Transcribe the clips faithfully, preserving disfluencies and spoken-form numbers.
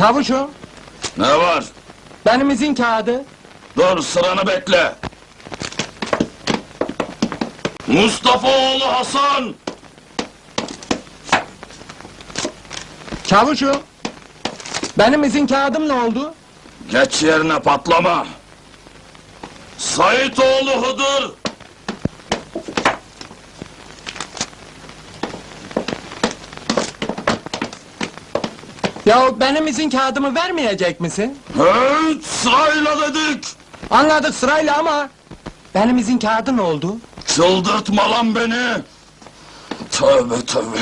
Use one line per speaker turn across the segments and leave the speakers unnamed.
Çavuşum,
Ne var?
benim izin kağıdı.
Dur, sıranı bekle. Mustafa oğlu Hasan!
Çavuşum, benim izin kağıdım ne oldu?
Geç yerine, patlama! Sait oğlu Hıdır!
Ya benim izin kağıdımı vermeyecek misin?
Evet, sırayla dedik!
Anladık sırayla ama... Benim izin kağıdı ne oldu?
Çıldırtma lan beni! Tövbe tövbe!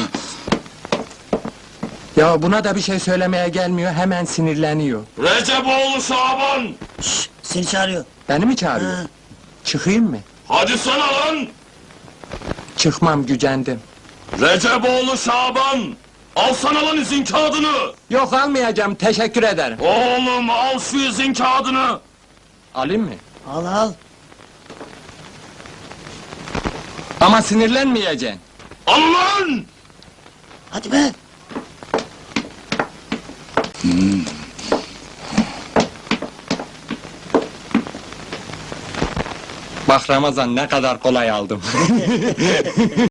Ya buna da bir şey söylemeye gelmiyor, hemen sinirleniyor.
Recep oğlu Şaban!
Şşş, seni çağırıyor.
Beni mi çağırıyor?
Ha.
Çıkayım mı?
Hadi sana lan!
Çıkmam, gücendim.
Recep oğlu Şaban! Alsana lan izin kağıdını!
Yok almayacağım, teşekkür ederim.
Oğlum al şu izin kağıdını!
Alayım mı?
Al al.
Ama sinirlenmeyeceksin.
Al lan!
Hadi be.
Bak Ramazan, ne kadar kolay aldım.